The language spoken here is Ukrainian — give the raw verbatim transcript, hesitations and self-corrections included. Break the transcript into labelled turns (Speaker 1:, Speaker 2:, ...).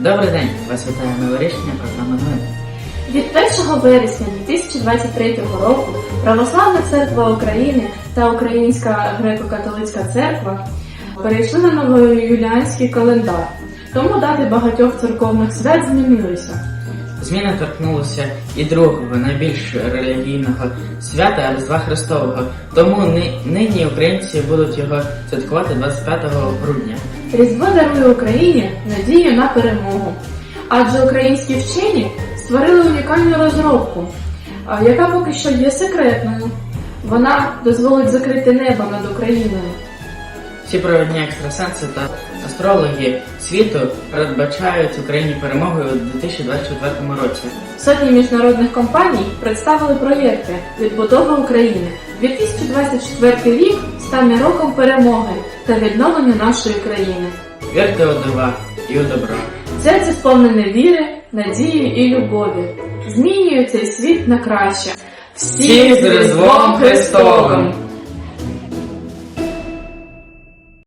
Speaker 1: Добрий день! Вас вітає новорічна програма новин.
Speaker 2: Від першого вересня дві тисячі двадцять третього року Православна Церква України та Українська Греко-Католицька Церква перейшли на новоюліанський календар, тому дати багатьох церковних свят змінилися.
Speaker 1: Зміни торкнулися і другого, найбільш релігійного свята Різдва Христового, тому ни- нині українці будуть його святкувати двадцять п'ятого грудня.
Speaker 2: Різдво дарує Україні надію на перемогу, адже українські вчені створили унікальну розробку, а, яка поки що є секретною. Вона дозволить закрити небо над Україною.
Speaker 1: Всі провідні екстрасенси та астрологи світу передбачають Україні перемогу у дві тисячі двадцять четвертому році.
Speaker 2: Сотні міжнародних компаній представили проєкти «Відбудова України». дві тисячі двадцять четвертий рік стане роком перемоги та відновлення нашої країни.
Speaker 1: Вірте у дива і у добро.
Speaker 2: Серце сповнене віри, надії і любові. Змінює цей світ на краще.
Speaker 1: Всіх з Різдвом Христовим!